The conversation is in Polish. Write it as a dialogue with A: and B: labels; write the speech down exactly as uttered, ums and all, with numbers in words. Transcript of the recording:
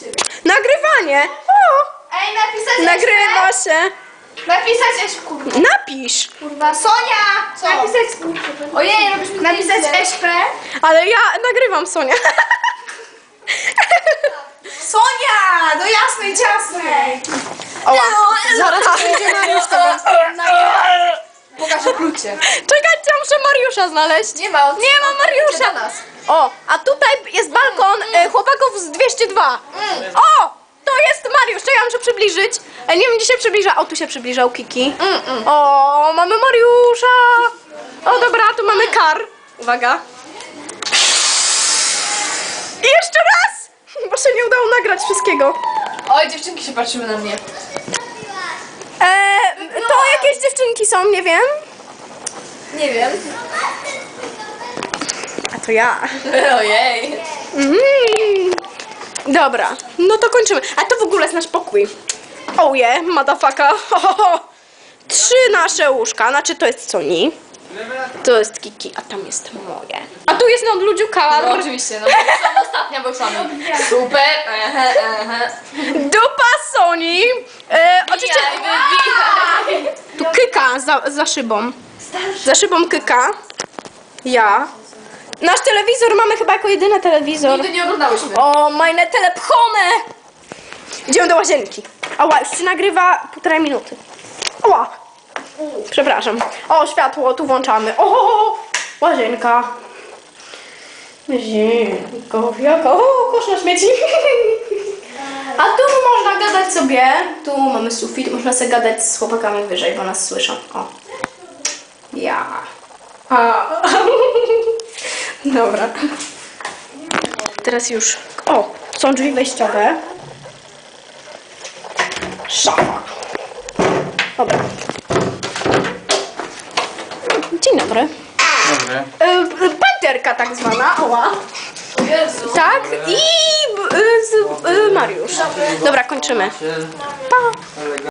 A: Nagrywanie! O!
B: Ej, napisać
A: Nagrywa się!
B: Napisać Esz, kurwa.
A: Napisz!
B: Kurwa, Sonia! Co? Napisać... Ojej, robisz mi Napisać Eszpę?
A: Ale ja nagrywam, Sonia.
B: Sonia! Do jasnej, ciasnej!
A: Oła.
B: Zaraz będzie Mariusz, to pokażę klucie.
A: Czekajcie, muszę Mariusza znaleźć.
B: Nie ma, on
A: Nie ma Mariusza.
B: do nas.
A: O, a tutaj jest balkon e, chłopaków z dwieście dwa.
B: Mm.
A: O! To jest Mariusz, czekaj, muszę przybliżyć. E, nie wiem, gdzie się przybliża. O, tu się przybliżał Kiki.
B: Mm, mm.
A: O, mamy Mariusza. O, dobra, tu mamy kar. Uwaga. I jeszcze raz! Bo się nie udało nagrać wszystkiego.
B: Oj, dziewczynki się patrzyły na mnie.
A: E, to jakieś dziewczynki są, nie wiem.
B: Nie wiem.
A: A to ja.
B: Ojej.
A: Mm. Dobra, no to kończymy. A to w ogóle jest nasz pokój. Oh yeah, motherfucker. Ho, ho, ho. Trzy nasze łóżka, znaczy to jest Soni. To jest Kiki, a tam jest moje. A tu jest no Ludziu kar.
B: No oczywiście, no bo są ostatnia, bo są. Super. Ehe, ehe.
A: Dupa Soni. E, oczywiście
B: Wbijaj, wybijaj.
A: tu Kyka za, za szybą. Za szybą Kyka. Ja. Nasz telewizor mamy chyba jako jedyny telewizor.
B: Nigdy nie oglądałyśmy.
A: O, meine telepchone! Idziemy do łazienki. Ała, już się nagrywa półtorej minuty. Ała! Przepraszam. O, światło, tu włączamy. O, łazienka. Łazienko, jaka, o, kosz na śmieci. A tu można gadać sobie. Tu mamy sufit, można sobie gadać z chłopakami wyżej, bo nas słyszą. O. Ja. A. Dobra. Teraz już... O! Są drzwi wejściowe. Szafa. Dobra. Dzień dobry.
C: Dobry.
A: E, Pęterka tak zwana. Oła.
B: O Jezu.
A: Tak. I e, z, e, Mariusz. Dobra, kończymy. Pa.